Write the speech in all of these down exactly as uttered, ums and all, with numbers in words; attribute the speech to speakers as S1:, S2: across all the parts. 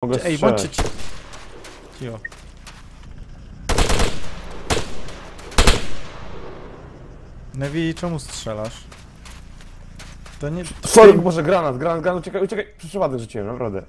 S1: Mogę
S2: Ej,
S1: strzelać.
S2: bądźcie ci... Cicho. Nevi, czemu strzelasz? To nie...
S1: Sorry, Boże, granat, granat, granat, uciekaj, uciekaj. Przypadek rzuciłem, naprawdę.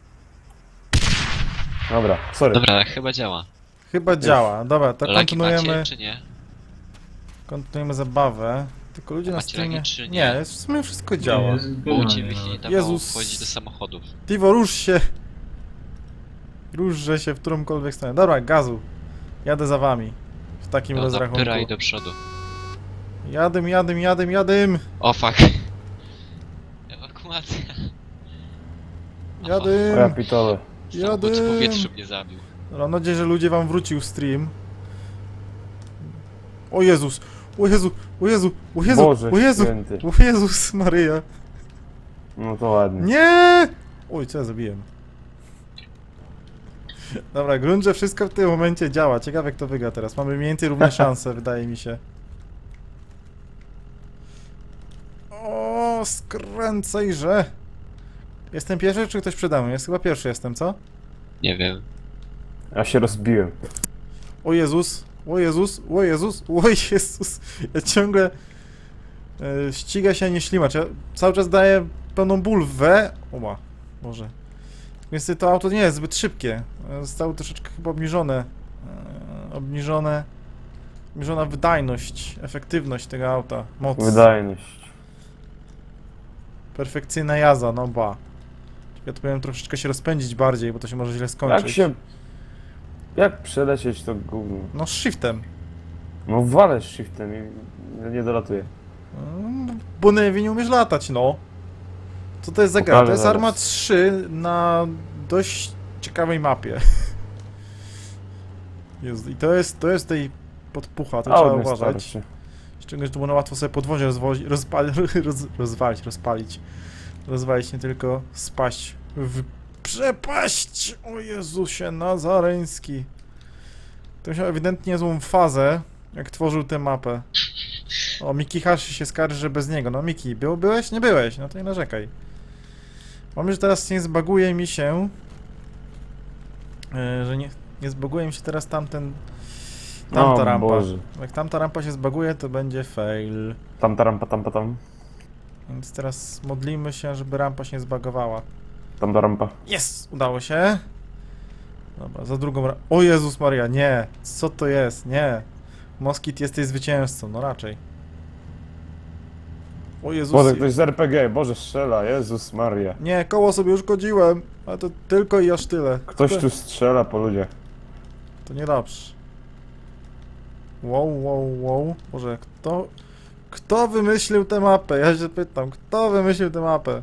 S1: Dobra, sorry.
S3: Dobra, chyba działa.
S2: Chyba działa. Dobra, to
S3: Lagi
S2: kontynuujemy...
S3: macie, czy nie?
S2: Kontynuujemy zabawę. Tylko ludzie na
S3: Macie
S2: streamie...
S3: lagi, czy nie?
S2: Nie, w sumie wszystko działa.
S3: Bo u ciebie się nie dawało
S2: Jezus.
S3: wchodzić do samochodów.
S2: Tivo, rusz się! Ruszże się w którąkolwiek stronę. Dobra, gazu. Jadę za wami. W takim
S3: No
S2: rozrachunku.
S3: zapyraj do przodu.
S2: Jadym, jadym, jadym, jadym!
S3: O fuck. Ewakuacja.
S1: O ja
S2: Jadym!
S1: pitole.
S3: Samochód w
S2: Jadym!
S3: powietrzu mnie zabił.
S2: Dobra, mam nadzieję, że ludzie wam wrócił stream. O Jezus! O Jezu! O Jezu! O Jezu!
S1: Boże
S2: O Jezu!
S1: święty.
S2: O Jezus Maryja!
S1: No to ładnie.
S2: Nie! Oj, co ja zrobiłem? Dobra, grunt, że wszystko w tym momencie działa. Ciekawe, kto wygra teraz. Mamy mniej więcej równe szanse, wydaje mi się. O, skręcajże! Jestem pierwszy, czy ktoś przede mną? Jest chyba pierwszy jestem, co?
S3: Nie wiem.
S1: Ja się rozbiłem.
S2: O Jezus! O Jezus! O Jezus! O Jezus! Ja ciągle... E, ściga się, nie ślimacz. Ja cały czas daję pełną bulwę. Oła, Boże. Więc to auto nie jest zbyt szybkie. Zostało troszeczkę chyba obniżone. E, obniżone... Obniżona wydajność, efektywność tego auta. Moc.
S1: Wydajność.
S2: Perfekcyjna jazda, no ba. Ja tu powinien troszeczkę się rozpędzić bardziej, bo to się może źle skończyć.
S1: Jak się... Jak przelecieć to gówno?
S2: No z shiftem.
S1: No walę shiftem i nie dolatuję.
S2: Mm, Bo Nevi nie umiesz latać, no. Co to jest za gra?
S1: Pokażę
S2: To jest
S1: zaraz.
S2: Arma trzy na dość ciekawej mapie. Jezu, i to jest, to jest tej podpucha, to
S1: A
S2: trzeba
S1: on jest
S2: uważać.
S1: starszy.
S2: Szczególnie, że tu można łatwo sobie podwozie rozwozi, rozpali, roz, rozwalić, rozpalić. Rozwalić, nie tylko spaść w przepaść! O Jezusie Nazareński. To miał ewidentnie niezłą fazę, jak tworzył tę mapę. O, Miki Hashi się skarży, że bez niego. No Miki, był, byłeś? Nie byłeś, no to nie narzekaj. Mam, że teraz nie zbaguje mi się... Yy, że nie, nie zbaguje mi się teraz tamten... Tamta
S1: O
S2: rampa.
S1: Boże.
S2: Jak tamta rampa się zbaguje, to będzie fail.
S1: Tam, taram, tam, tam.
S2: Więc teraz modlimy się, żeby rampa się nie zbagowała.
S1: Tam ta rampa.
S2: Jest! Udało się. Dobra, za drugą ra... O Jezus Maria, nie! Co to jest? Nie! Moskit, jesteś zwycięzcą, no raczej. O Jezus...
S1: Boże, ktoś z R P G, Boże strzela, Jezus Maria.
S2: Nie, koło sobie uszkodziłem, ale to tylko i aż tyle.
S1: Ktoś
S2: to,
S1: tu strzela po ludziach.
S2: To niedobrze. Wow, wow, wow. Boże, kto... Kto wymyślił tę mapę? Ja się pytam, kto wymyślił tę mapę?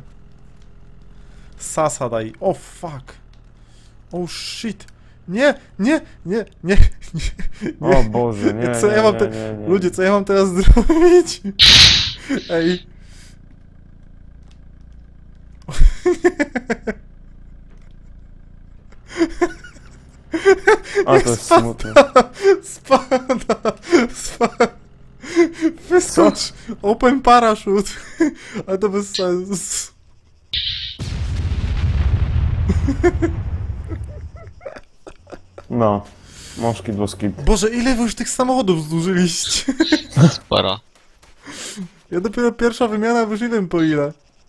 S2: Sasa daj. O, fuck. Oh shit. Nie, nie, nie, nie, nie.
S1: O Boże, nie,
S2: Co
S1: nie,
S2: ja mam
S1: nie,
S2: te...
S1: nie, nie.
S2: Ludzie, co ja mam teraz zrobić? Ej.
S1: A to jest smutne.
S2: Spada, spada. Wyskocz. Open parachute. Ale to bez sensu.
S1: No. Moszkit, boskit.
S2: Boże, ile wy już tych samochodów zdłużyliście?
S3: Sporo.
S2: Ja dopiero pierwsza wymiana, już nie wiem po ile.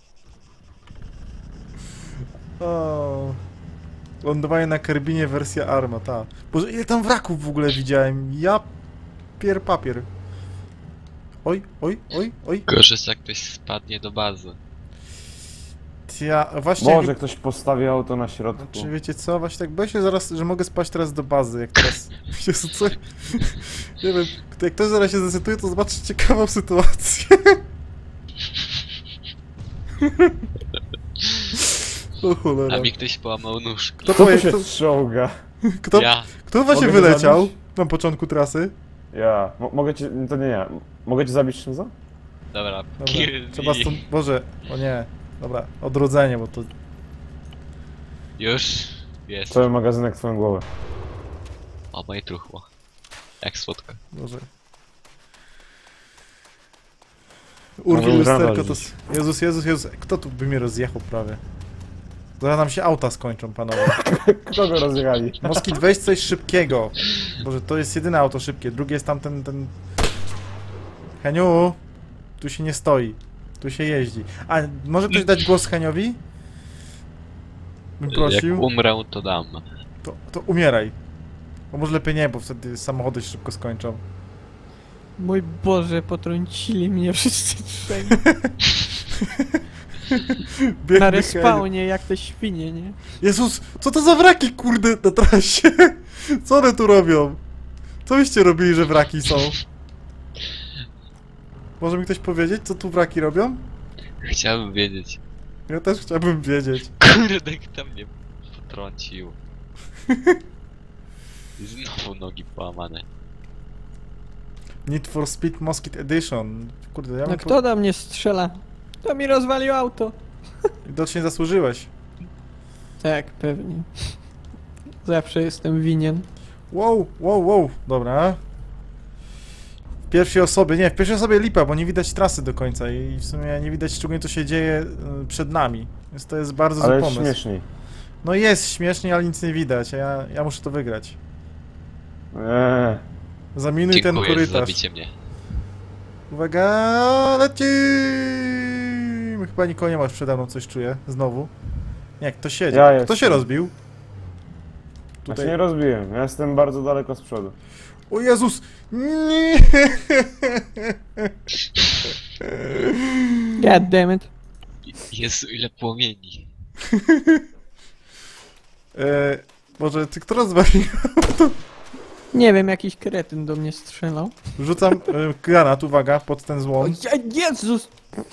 S2: O. Lądowanie na Karbinie wersja Arma, ta. Boże, ile tam wraków w ogóle widziałem. Ja... Pier papier. Oj, oj, oj, oj.
S3: Gorzej, jak ktoś spadnie do bazy.
S2: Ja, właśnie...
S1: Może ktoś postawi auto na środku.
S2: Czy wiecie co? Właśnie tak boję się zaraz, że mogę spaść teraz do bazy, jak teraz... Jezu, co? Nie wiem, jak ktoś zaraz się zdecyduje, to zobaczy ciekawą sytuację. O cholera.
S3: A mi ktoś połamał nóżkę.
S2: Kto,
S1: Kto tu
S2: poje,
S1: się
S2: kto,
S1: czołga?
S2: kto,
S3: Ja.
S2: kto właśnie
S1: Mogę go
S2: wyleciał
S1: zabić?
S2: na początku trasy?
S1: Ja. Mo mogę cię... To nie ja. Mogę cię zabić czym za?
S3: Dobra,
S2: Dobra,
S3: kill
S2: trzeba
S3: me.
S2: stąd... Boże, o nie. Dobra, odrodzenie, bo to...
S3: Już jest.
S1: Cały magazynek w twoją głowę.
S3: O, moje truchło. Jak słodko.
S2: Boże. Urwi
S1: Mogę
S2: lusterko to...
S1: uważać.
S2: Jezus, Jezus, Jezus. Kto tu by mnie rozjechał prawie? Zaraz nam się auta skończą, panowie.
S1: Kogo rozjechali?
S2: Moskit, weź coś szybkiego. Boże, to jest jedyne auto szybkie. Drugie jest tamten, ten... Heniu, tu się nie stoi. Tu się jeździ. A, może ktoś dać głos Heniowi? Bym prosił.
S3: Jak umrę, to dam.
S2: To, to umieraj. Bo może lepiej nie, bo wtedy samochody się szybko skończą.
S4: Mój Boże, potrącili mnie wszyscy trzej.
S2: Biedny
S4: Na
S2: Henio.
S4: respawnie, jak te świnie, nie?
S2: Jezus, co to za wraki, kurde, na trasie? Co one tu robią? Co byście robili, że wraki są? Może mi ktoś powiedzieć, co tu wraki robią?
S3: Chciałbym wiedzieć.
S2: Ja też chciałbym wiedzieć.
S3: Kurde, kto mnie potrącił. I znowu nogi połamane.
S2: Need for Speed Moskit Edition. Kurde, ja
S4: No
S2: bym
S4: kto do mnie strzela? To mi rozwalił auto.
S2: po... Widocznie zasłużyłeś.
S4: Tak, pewnie. Zawsze jestem winien.
S2: Wow, wow, wow. Dobra. W pierwszej osobie, nie, w pierwszej osobie lipa, bo nie widać trasy do końca i w sumie nie widać szczególnie co się dzieje y, przed nami. Więc to jest bardzo
S1: Ale
S2: zły
S1: jest
S2: pomysł.
S1: śmieszniej.
S2: No jest śmiesznie, ale nic nie widać, a ja, ja muszę to wygrać.
S1: Eee.
S2: Zaminuj ten
S3: Dziękuję za
S2: korytarz.
S3: zabicie mnie.
S2: Uwaga, lecimy! Chyba nikogo nie ma już przede mną, coś czuję. Znowu. Nie, kto siedzi?
S1: Ja
S2: Kto
S1: jestem.
S2: się rozbił?
S1: Ja się nie rozbiłem, ja jestem bardzo daleko z przodu.
S2: O Jezus! Nie!
S4: God damn it.
S3: Jezu, ile płomieni.
S2: E, Boże, ty kto rozwalił?
S4: Nie wiem, jakiś kretyn do mnie strzelał.
S2: Rzucam e, granat, uwaga, pod ten
S4: O
S2: złom.
S4: Je- Jezus!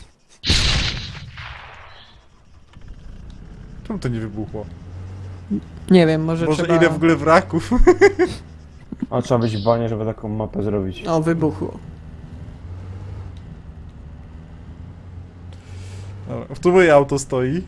S2: Czemu to nie wybuchło?
S4: Nie wiem, może
S2: Boże,
S4: trzeba...
S2: ile w ogóle wraków?
S1: A trzeba być w banie, żeby taką mapę zrobić.
S4: O, wybuchło.
S2: Dobra, tu moje auto stoi.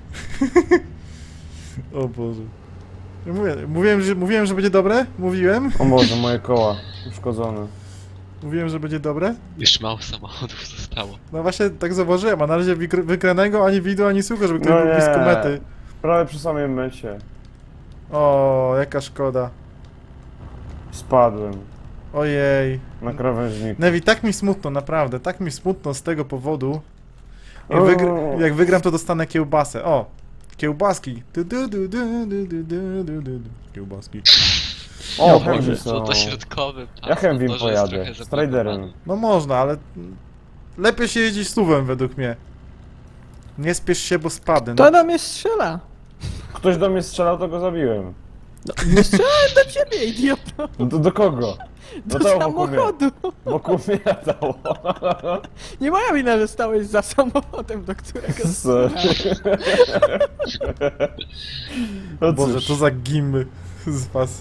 S2: O Boże. Ja Mówię, mówiłem, że, mówiłem, że będzie dobre? Mówiłem?
S1: O Boże, moje koła uszkodzone.
S2: Mówiłem, że będzie dobre?
S3: Już mało samochodów zostało.
S2: No właśnie tak zauważyłem, a na razie wykr- wykranego ani wideo, ani słucha, żeby ktoś
S1: No
S2: był
S1: nie.
S2: blisko mety.
S1: Prawie przy samym mecie.
S2: O, jaka szkoda.
S1: Spadłem
S2: Ojej.
S1: na krawężniku.
S2: Nevi, tak mi smutno, naprawdę, tak mi smutno z tego powodu. Jak,
S1: O.
S2: wygr- jak wygram, to dostanę kiełbasę. O, kiełbaski. Du, du, du, du, du, du, du, du, du. Kiełbaski.
S1: O,
S2: No,
S1: Hemwi
S2: Boże,
S1: są.
S3: Co to środkowym tam?
S1: Ja Hemwim
S3: motorze jest
S1: pojadę,
S3: trochę
S1: z Traderem.
S3: zablokowane.
S2: No można, ale lepiej się jeździ suwem według mnie. Nie spiesz się, bo spadnę.
S4: Kto
S2: No,
S4: do mnie strzela?
S1: Ktoś do mnie strzelał, to go zabiłem.
S4: Nie strzelałem do ciebie, idioto!
S1: No to do kogo?
S4: Do
S1: to wokół mnie.
S4: samochodu!
S1: Wokół mnie latało.
S4: Nie moja wina, że stałeś za samochodem, do którego
S1: Sorry.
S4: strzelałem.
S1: No
S2: Boże,
S1: cóż.
S2: to za gimy z was.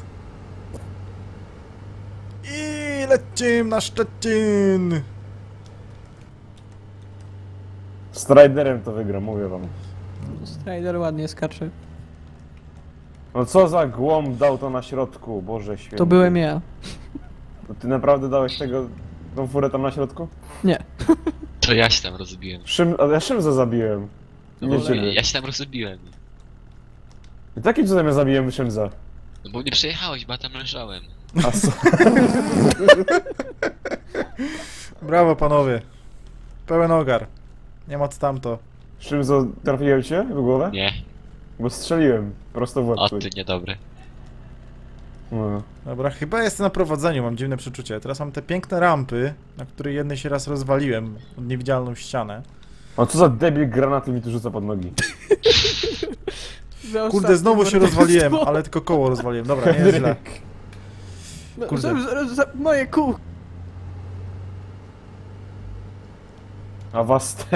S2: I lecimy na Szczecin!
S1: Z Traderem to wygram, mówię wam.
S4: Strider ładnie skacze.
S1: No co za głąb dał to na środku, Boże święty.
S4: To byłem ja.
S1: No ty naprawdę dałeś tego, tą furę tam na środku?
S4: Nie.
S3: To ja się tam rozbiłem.
S1: Szym, a ja Szymza zabiłem.
S3: No
S1: Nie
S3: bo
S1: ciebie.
S3: ja się tam rozbiłem.
S1: I takim cudem ja zabiłem Szymza.
S3: No bo nie przejechałeś, bo ja tam leżałem.
S1: A co?
S2: Brawo panowie. Pełen ogar. Nie ma co tamto.
S1: Szymzo, trafiłem cię w głowę?
S3: Nie.
S1: Bo strzeliłem prosto w łeb.
S3: O
S1: twój.
S3: ty niedobry.
S1: No.
S2: Dobra, chyba jestem na prowadzeniu, mam dziwne przeczucie. Teraz mam te piękne rampy, na której jednej się raz rozwaliłem od niewidzialną ścianę.
S1: A co za debil granaty mi tu rzuca pod nogi?
S4: Za
S2: Kurde,
S4: ostatnie
S2: znowu się
S4: morderstwo.
S2: rozwaliłem, ale tylko koło rozwaliłem. Dobra, nie jest źle.
S4: No,
S2: kurde.
S4: za, za, za moje kół.
S1: A was te...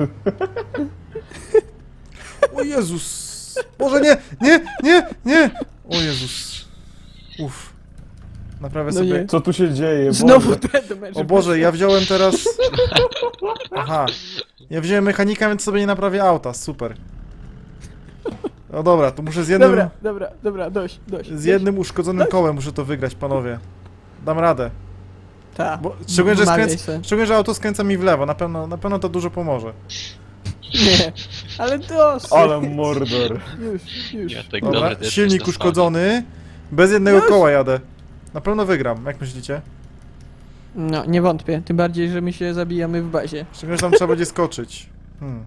S2: O Jezus! Boże, nie, nie, nie, nie! O Jezus. Uff. Naprawię
S4: No
S2: sobie...
S4: nie.
S1: Co tu się dzieje?
S4: Znowu
S1: Boże.
S4: deadmatch.
S2: O Boże, ja wziąłem teraz... Aha. Ja wziąłem mechanika, więc sobie nie naprawię auta, super. No dobra, to muszę z jednym...
S4: Dobra, dobra, dobra, dość, dość.
S2: Z jednym uszkodzonym kołem muszę to wygrać, panowie. Dam radę.
S4: Ta.
S2: Bo, szczególnie, że
S4: Wmawiaj
S2: skręc...
S4: se.
S2: szczególnie, że auto skręca mi w lewo, na pewno, na pewno to dużo pomoże.
S4: Nie, ale dosyć.
S1: Ale mordor.
S4: Już, już.
S3: Ja tak
S2: Dobra,
S3: dobra, to
S2: silnik
S3: jesteś na
S2: uszkodzony. Bez jednego
S4: Już?
S2: koła jadę. Na pewno wygram, jak myślicie?
S4: No, nie wątpię. Tym bardziej, że my się zabijamy w bazie.
S2: Szczególnie, że tam trzeba będzie skoczyć. Hmm.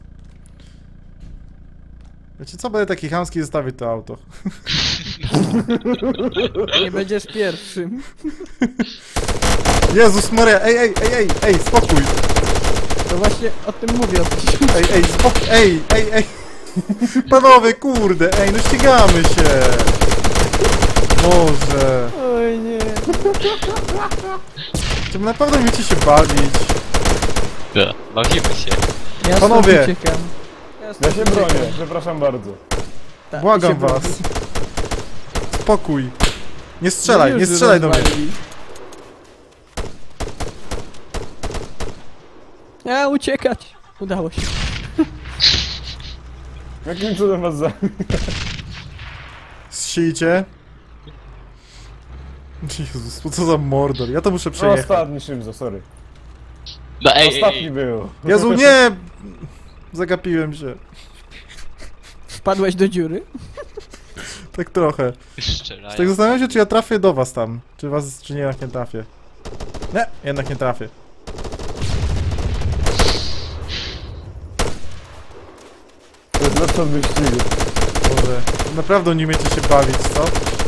S2: Wiecie co, będę taki chamski zostawić to auto.
S4: Nie będziesz pierwszym.
S2: Jezus Maria, ej, ej, ej, ej, ej, spokój!
S4: To właśnie o tym mówię. O tym.
S2: Ej, ej, spokój, ej, ej, ej! Panowie, kurde, ej, no ścigamy się! Boże!
S4: Oj nie.
S2: Czy naprawdę umiecie się bawić?
S3: Da, bawimy się.
S4: Ja stąd
S2: Panowie.
S4: uciekam.
S1: Ja
S4: stąd
S1: się
S4: uciekam.
S1: bronię, przepraszam bardzo.
S4: Tak,
S2: Błagam
S4: się broni.
S2: was. Spokój. Nie strzelaj,
S4: No
S2: nie
S4: już
S2: strzelaj do mnie.
S4: rozwalili. A, uciekać. Udało się.
S1: Jakim cudem was za...
S2: Zsijcie. Jezus, co za mordor. Ja to muszę
S1: No,
S2: przejechać.
S1: ostatni Szymzo, sorry.
S3: No ej, ej,
S1: Ostatni
S3: ej.
S1: był.
S2: Jezu, nie! Zagapiłem się.
S4: Wpadłeś do dziury?
S2: Tak trochę.
S3: Strzelają.
S2: Tak zastanawiam się, czy ja trafię do was tam. Czy was, czy nie, jednak nie trafię. Nie, jednak nie trafię.
S1: To jest lepsze od wyścigu.
S2: Boże, naprawdę nie umiecie się bawić, co?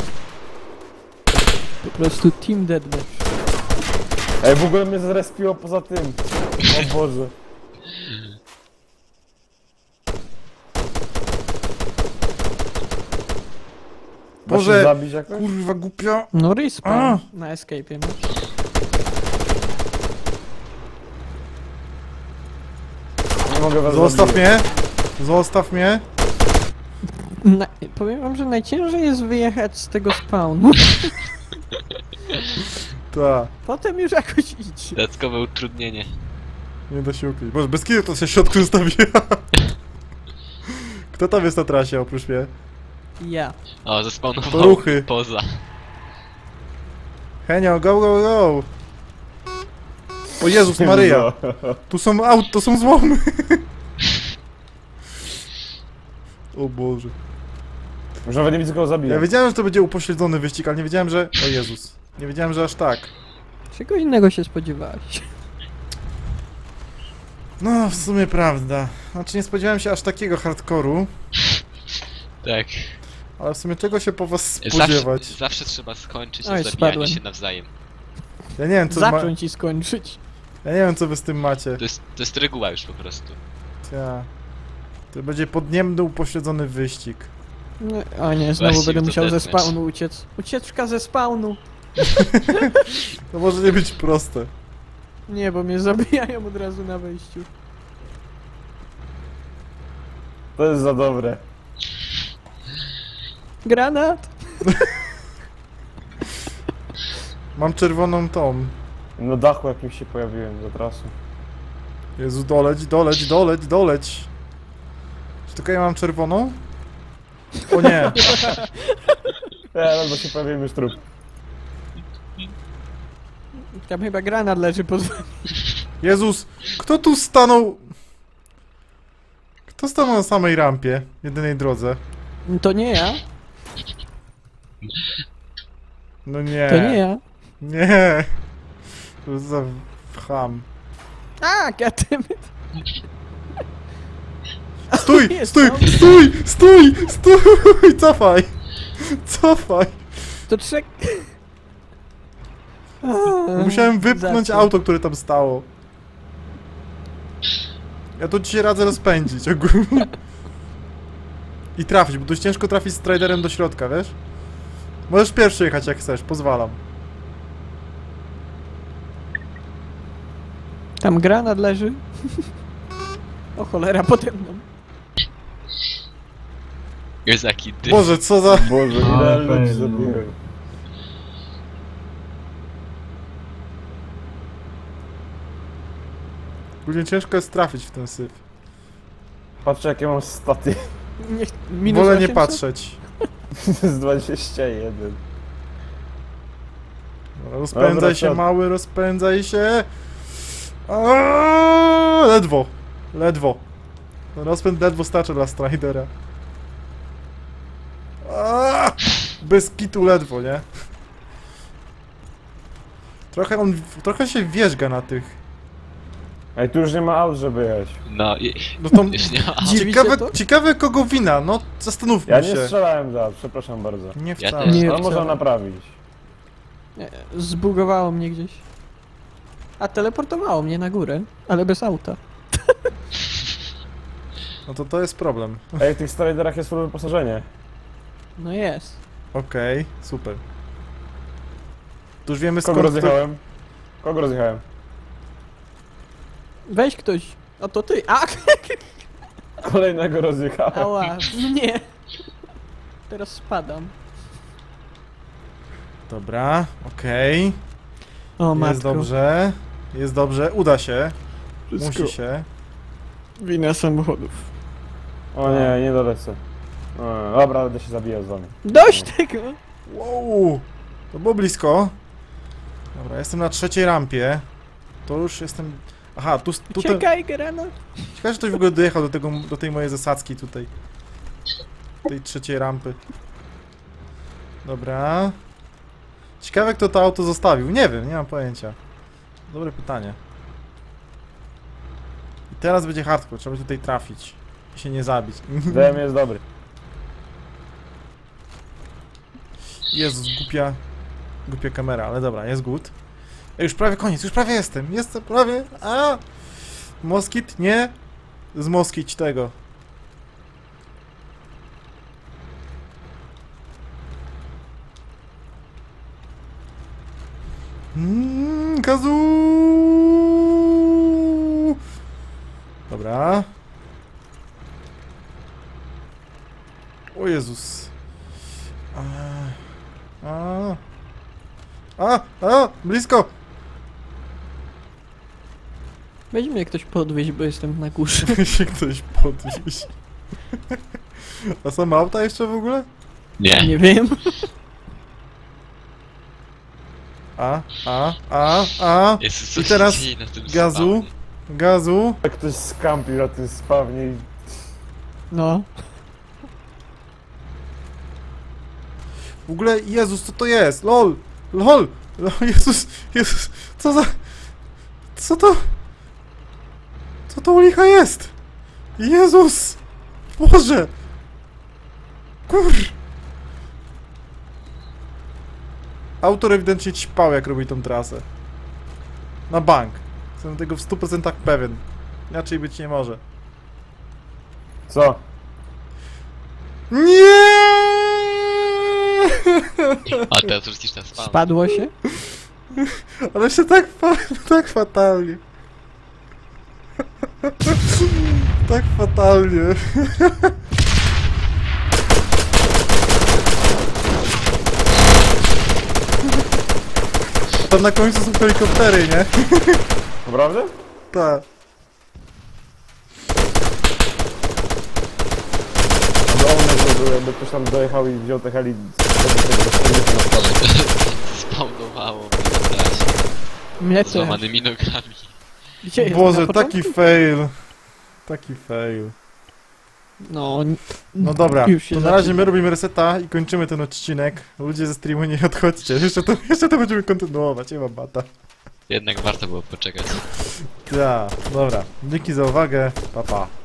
S4: Po prostu team deathmatch.
S1: Ej, w ogóle mnie zrespiło poza tym. O Boże. Da się
S2: Boże,
S1: zabić jakoś?
S2: kurwa głupia.
S4: No respawn
S2: A.
S4: na escape'ie masz.
S1: Nie mogę was
S2: Zostaw
S1: zabić.
S2: mnie. Zostaw mnie.
S4: Na, powiem wam, że najciężej jest wyjechać z tego spawnu.
S2: Ta,
S4: Potem już jakoś idzie.
S3: Dodatkowe utrudnienie.
S2: nie da się ukryć. Boże, bez kiedy to się w środku zostawiła. Kto tam jest na trasie oprócz mnie?
S4: Ja.
S3: O, zespawnował
S2: Ruchy.
S3: poza.
S2: Henio, go, go, go. O Jezus Maryja. Tu są aut, to są złomy. O Boże.
S1: Już nawet nie widzę kogo
S2: Ja
S1: zabijać.
S2: wiedziałem, że to będzie upośledzony wyścig, ale nie wiedziałem, że... O Jezus. Nie wiedziałem, że aż tak.
S4: Czego innego się spodziewałeś?
S2: No, w sumie prawda. Znaczy nie spodziewałem się aż takiego hardkoru,
S3: Tak.
S2: ale w sumie czego się po was
S3: Zawsze,
S2: spodziewać?
S3: zawsze trzeba skończyć
S4: Oj,
S3: na zabijaniu
S4: spadłem.
S3: się nawzajem.
S2: Ja nie wiem, co ma...
S4: Zacząć i skończyć.
S2: Ja nie wiem, co wy z tym macie.
S3: To jest, to jest reguła już po prostu.
S2: Ja. To będzie podniemny upośledzony wyścig.
S4: No, o nie, znowu
S3: Właśnie,
S4: będę
S3: to
S4: musiał ze
S3: deathmatch.
S4: spawnu uciec. Ucieczka ze spawnu.
S2: To może nie być proste.
S4: Nie, bo mnie zabijają od razu na wejściu.
S1: To jest za dobre.
S4: Granat!
S2: Mam czerwoną tą.
S1: Na dachu jakimś się pojawiłem za trasą.
S2: Jezu, doleć, doleć, doleć, doleć. Czy tylko ja mam czerwoną? O nie.
S1: Ej, albo się pojawiłem już trup.
S4: Tam chyba granat leży pod wami.
S2: Jezus, kto tu stanął? Kto stanął na samej rampie, jedynej drodze?
S4: To nie ja.
S2: No nie.
S4: To nie ja.
S2: Nie. To za cham.
S4: A, goddammit.
S2: Stój,
S4: Jest
S2: stój,
S4: tam.
S2: stój, stój, stój, cofaj. Cofaj.
S4: To trzek...
S2: Musiałem wypchnąć
S4: Za co?
S2: auto, które tam stało. Ja to ci się radzę rozpędzić ogólnie. I trafić, bo dość ciężko trafić striderem do środka, wiesz? Możesz pierwszy jechać jak chcesz, pozwalam.
S4: Tam granat leży. O cholera, pode mną.
S3: Jest taki dym.
S2: Boże, co za...
S1: Boże, ile
S5: Ale
S1: ludzi
S5: fajnie.
S1: zabiłem.
S2: Ogólnie ciężko jest trafić w ten syf.
S1: Patrzcie jakie mam staty.
S4: Niech... Minus
S2: Wolę nie
S4: osiemset?
S2: patrzeć.
S1: To jest dwadzieścia jeden.
S2: Rozpędzaj
S1: Dobra,
S2: się,
S1: to-
S2: mały, rozpędzaj się. Aaaa, ledwo, ledwo. Rozpęd ledwo starczy dla Stridera. Aaaa! Bez kitu ledwo, nie? Trochę on, trochę się wierzga na tych.
S1: Ej, tu już nie ma aut, żeby jeść.
S3: No i...
S2: No to
S3: Już nie ma.
S2: ciekawe,
S4: to?
S2: ciekawe kogo wina, no zastanówmy
S1: Ja
S2: się.
S1: nie strzelałem za, przepraszam bardzo.
S2: Nie
S3: Ja
S2: wcale.
S3: też.
S4: Nie.
S1: No można
S4: wcale.
S1: naprawić.
S4: Nie, zbugowało mnie gdzieś. A teleportowało mnie na górę, ale bez auta.
S2: No to to jest problem.
S1: Ej, w tych Striderach jest full wyposażenie.
S4: No jest.
S2: Okej, super. To już wiemy
S1: Kogo
S2: skąd...
S1: rozjechałem? Kogo rozjechałem?
S4: Weź ktoś. O to ty. A!
S1: Kolejnego rozjechałem.
S4: Ała. Nie. Teraz spadam.
S2: Dobra, okej.
S4: O matko.
S2: Jest dobrze. Jest dobrze, uda się.
S4: Wszystko
S2: Musi się.
S4: wina samochodów.
S1: O nie, nie dolecę. O, dobra, będę się zabijał z wami.
S4: Dość tego!
S2: Wow! To było blisko. Dobra, jestem na trzeciej rampie. To już jestem... Aha, tu... tu ten...
S4: Czekaj, Gerano.
S2: Ciekawe, że ktoś w ogóle dojechał do, tego, do tej mojej zasadzki tutaj. Tej trzeciej rampy. Dobra. Ciekawe, kto to auto zostawił. Nie wiem, nie mam pojęcia. Dobre pytanie. I teraz będzie hardcore, trzeba będzie tutaj trafić. I się nie zabić.
S1: D M jest dobry.
S2: Jezus, głupia... Głupia kamera, ale dobra, jest good. Ej, już prawie koniec, już prawie jestem. Jestem prawie... A! Moskit? Nie? Zmoskić tego. Mmm, gazu! Dobra. O Jezus. A, a, a, a, blisko!
S4: Weź mnie ktoś podwieźć, bo jestem na górze.
S2: się ktoś podnieść. A są auta jeszcze w ogóle?
S3: Nie.
S4: Nie wiem.
S2: A, a, a, a,
S3: Jest
S2: I
S3: coś
S2: teraz
S3: dzieje na tym
S2: gazu.
S3: spawnie.
S2: gazu.
S1: Jak ktoś skampił na tym spawnie i...
S4: No.
S2: W ogóle, Jezus, co to jest? LOL! LOL! LOL, Jezus, Jezus, co za... Co to? Co to u licha jest? Jezus! Boże! Kur... Autor ewidentnie ćpał, jak robi tą trasę. Na bank. Jestem tego w stu procentach pewien. Inaczej być nie może.
S1: Co?
S2: Nie!
S3: A teraz wrócisz na spawn.
S4: Spadło się?
S2: Ale się tak, fa tak fatalnie. Tak fatalnie. Tam na końcu są helikoptery, nie?
S1: Naprawdę?
S2: Tak.
S1: Ogromne, żeby, jakby ktoś tam dojechał i wziął te heli...
S3: Spawnowało mnie na trasie.
S4: Mnie
S3: Z
S4: też.
S3: złamanymi nogami.
S4: Gdzie jest?
S2: Boże,
S4: Na początku?
S2: taki fail. Taki fail.
S4: No, n-
S2: No dobra,
S4: już się
S2: to na razie
S4: zaczyna.
S2: my robimy reseta i kończymy ten odcinek. Ludzie ze streamu nie odchodźcie, jeszcze to, jeszcze to będziemy kontynuować, nie ma bata.
S3: Jednak warto było poczekać.
S2: Ja, dobra, dzięki za uwagę, pa pa.